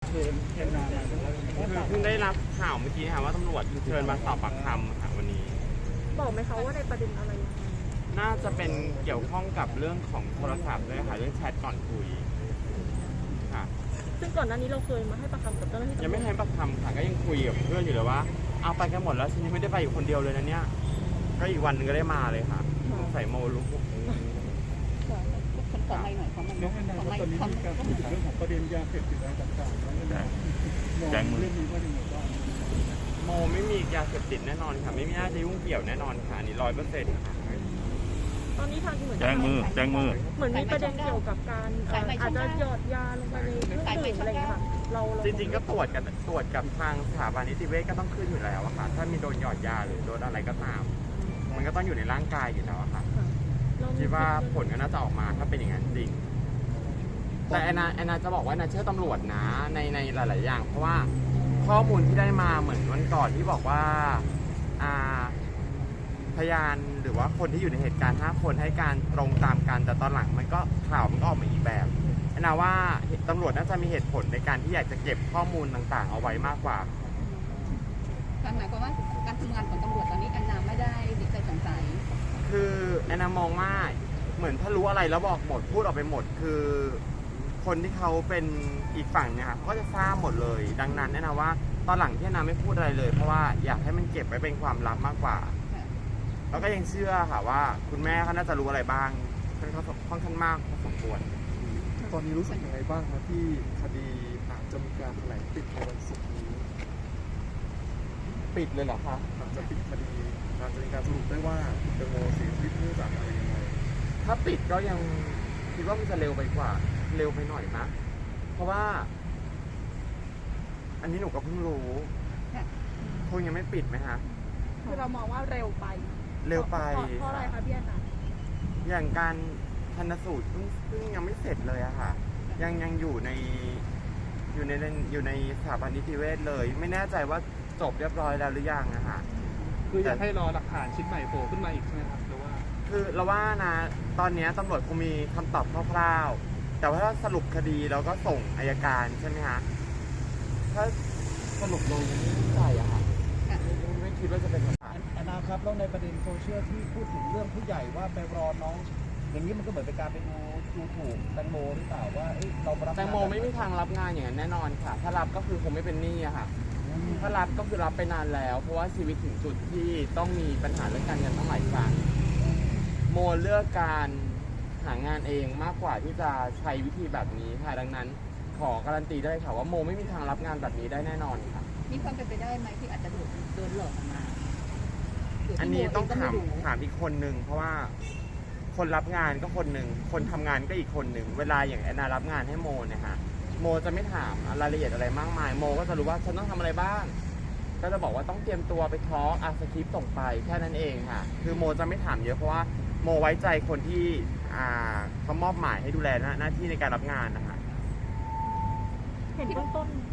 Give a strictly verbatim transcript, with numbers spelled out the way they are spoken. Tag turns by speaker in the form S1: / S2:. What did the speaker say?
S1: คือเอ็นนามาคือเพิ่งได้รับข่าวเมื่อกี้ค่ะว่าตำรวจเชิญมาสอบปากคำค่ะวันนี้
S2: บอกไหมคะว่าในประเด็นอะไรยังไง
S1: น่าจะเป็นเกี่ยวข้องกับเรื่องของโทรศัพท์ด้วยค่ะเรื่องแชทก่อนคุยค่ะ
S2: ซึ่งก่อนหน้านี้เราเคยมาให้ปากคำกับเจ้าหน้าที่
S1: ยังไม่ให้ปากคำค่ะก็ยังคุยกับเพื่อนอยู่เลยว่าเอาไปกันหมดแล้วฉันยังไม่ได้ไปอยู่คนเดียวเลยนะเนี่ยก็อีกวันหนึ่งก็ได้มาเลยค่ะใส่โมลุก
S3: คนขอไม่หน่อยของมัน
S4: น้องแอนนาตอนนี้มีการพูดถึงเรื่องของประเด็นยาเสพติดอะไรต่างๆแล้วเนี่ยแจ้งมือเรื่องนี้ว่าอย่างไรบ้าง
S1: โมไม่มียาเสพติดแน่นอนค่ะไม่มีน่าจะยุ่งเกี่ยวแน่นอนค่ะอันนี้ร้อยเปอร์เซ็นต์ค่ะ
S2: ตอนนี้ทางเหมือน
S4: แจ้งมือแจ้งมือ
S2: เหมือนมีประเด็นเกี่ยวกับการอาจจะหยอดยาลงไปในเครื่องดื่มอะไรอย่างเงี้ยค่ะเรา
S1: จริงๆก็ตรวจกันตรวจกับทางสถาบันนิติเวชก็ต้องขึ้นอยู่แล้วอะค่ะถ้ามีโดนหยอดยาหรือโดนอะไรก็ตามมันก็ต้องอยู่ในร่างกายอยู่แล้วอะค่ะคิดว่าผลก็น่าจะออกมาถ้าเป็นอย่างนั้นจริงแต่แอนนาแอนนาจะบอกว่าแอนนาเชื่อตำรวจนะในในหลายๆอย่างเพราะว่าข้อมูลที่ได้มาเหมือนวันก่อนที่บอกว่าอ่าพยานหรือว่าคนที่อยู่ในเหตุการณ์ห้าคนให้การตรงตามกันแต่ตอนหลังมันก็ข่าวมันก็ออกมาอีกแบบแอนนาว่าตำรวจน่าจะมีเหตุผลในการที่อยากจะเก็บข้อมูลต่างๆเอาไว้มากกว่า
S3: การหมายความว่าการทำงานของตำรวจตอนนี้แอนนาไม่ได้ติดใจสงสัย
S1: คือแอนนามองว่าเหมือนถ้ารู้อะไรแล้วบอกหมดพูดออกไปหมดคือคนที่เขาเป็นอีกฝั่งเนี่ยค่ะก็จะทราบหมดเลยดังนั้นแอนนาว่าตอนหลังที่แอนนาไม่พูดอะไรเลยเพราะว่าอยากให้มันเก็บไว้เป็นความลับมากกว่าแล้วก็ยังเชื่อค่ะว่าคุณแม่เขาน่าจะรู้อะไรบ้างค่อนข้างค่อนข้างมากพอสมควร
S4: ตอนนี้รู้สึกยังไงบ้างครับที่คดีอาจจะมีการแถลงปิดในวันศุกร์นี้
S1: ปิดเลยเหรอคะ
S4: อาจจะปิดคดีอาจจะมีการสรุปได้ว่าคุณแตงโมเสียชีวิตเนื่องจากอะไรยังไง
S1: ถ้าปิดก็ยังคิดว่ามันจะเร็วไปกว่าเร็วไปหน่อยนะเพราะว่า อันนี้หนูก็เพิ่งรู้คงยังไม่ปิดไหมฮะ
S2: คือเรามองว่าเร็วไป
S1: เร็วไป
S2: เพราะอะไรคะพี่แอนนา
S1: อย่างการชันสูตรเพิ่งเพิ่งยังไม่เสร็จเลยอะค่ะยังยังอยู่ในอยู่ในอยู่ในสถาบันนิติเวชเลยไม่แน่ใจว่าจบเรียบร้อยแล้วหรือยังอะค่ะ
S4: คืออยากให้รอหลักฐานชิ้นใหม่โผล่ขึ้นมาอีกใช่ไหมครับหรือว่า
S1: คือเราว่านะตอนนี้ตำรวจคงมีคำตอบคร่าวๆแต่ว่าถ้าสรุปคดีแล้วก็ส่งอัยการใช่ไหมฮะถ้าสรุปลงไม่แน่ใจอะค่ะไม่คิดว่าจะเป็นแบบนั้น
S5: แอนนาครับแล้วในประเด็นโซเชียลที่พูดถึงเรื่องผู้ใหญ่ว่าไปรอน้องอย่างนี้มันก็เหมือนเป็นการไปดูดูถูกแตงโมหรือเปล่าว่าเรารับ
S1: แตงโมไม่มีทางรับงานอย่างนั้นแน่นอนค่ะถ้ารับก็คือคงไม่เป็นหนี้อะค่ะถ้ารับก็คือรับไปนานแล้วเพราะว่าชีวิตถึงจุดที่ต้องมีปัญหาเรื่องการเงินตั้งหลายครั้งโมเลือกการหางานเองมากกว่าที่จะใช้วิธีแบบนี้ค่ะดังนั้นขอการันตีได้ค่ะว่าโมไม่มีทางรับงานแบบนี้ได้แน่นอนค่ะ
S3: มีความเป็นไปได้ไหมที่อาจจะโดนหลอกมา
S1: อันนี้ต้องถามถามอีกคนนึงเพราะว่าคนรับงานก็คนหนึ่งคนทำงานก็อีกคนหนึ่งเวลาอย่างแอนนารับงานให้โมเนี่ยค่ะโมจะไม่ถามรายละเอียดอะไรมากมายโมก็จะรู้ว่าฉันต้องทำอะไรบ้างก็จะบอกว่าต้องเตรียมตัวไปทอล์กอาสคริปต์ส่งไปแค่นั้นเองค่ะคือโมจะไม่ถามเยอะเพราะว่าโมไว้ใจคนที่อ่าเขามอบหมายให้ดูแลหน้าที่ในการรับงานนะคะ
S2: เห็นเบื้องต้น